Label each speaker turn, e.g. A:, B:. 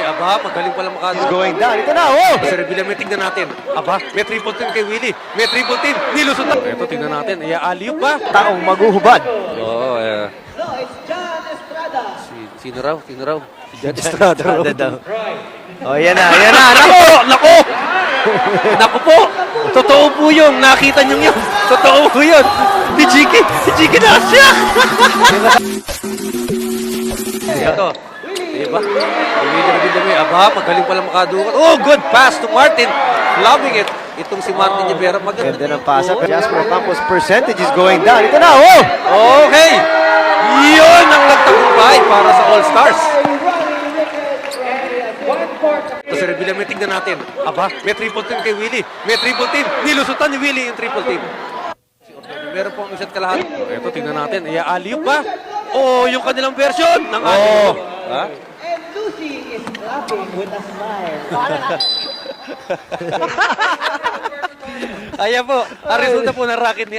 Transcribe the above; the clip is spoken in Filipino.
A: Aba, magaling pala makadukot.
B: He's going down. Ito na, oh!
A: Sir Villamay, tignan natin. Aba, may triple team kay Willie. May triple team. Nilusot na. Ito, tignan natin. Alley-oop ba?
B: Taong maguhubad.
A: Oo, Sino raw? Si John Estrada raw.
B: Oh, yan na. Nako!
A: Nako! Nako po! Totoo po yun. Nakita niyo yun. Totoo po yun. Si Jiki na siya! Ito. Diba? Villamay. Aba, magaling pala makadukot. Oh, good pass to Martin. Loving it. Itong si Martin Rivera.
B: Ganda ng pasa. Jasper Campos percentage is going down. Ito na, oh!
A: Okay! Yun ang nagtagumpay para sa All-Stars. Ito, Sir Villamay, tignan natin. Aba, may triple team kay Willie. May triple team. Nilusutan ni Willie yung triple team. Meron po ang isa't kalahati. Ito, tignan natin. Alley-oop ba? Oh, yung kanilang version ng alley-oop. Ha?
C: And Lucy is clapping with a smile.
A: Ayan po, ang resulta po ng racket ni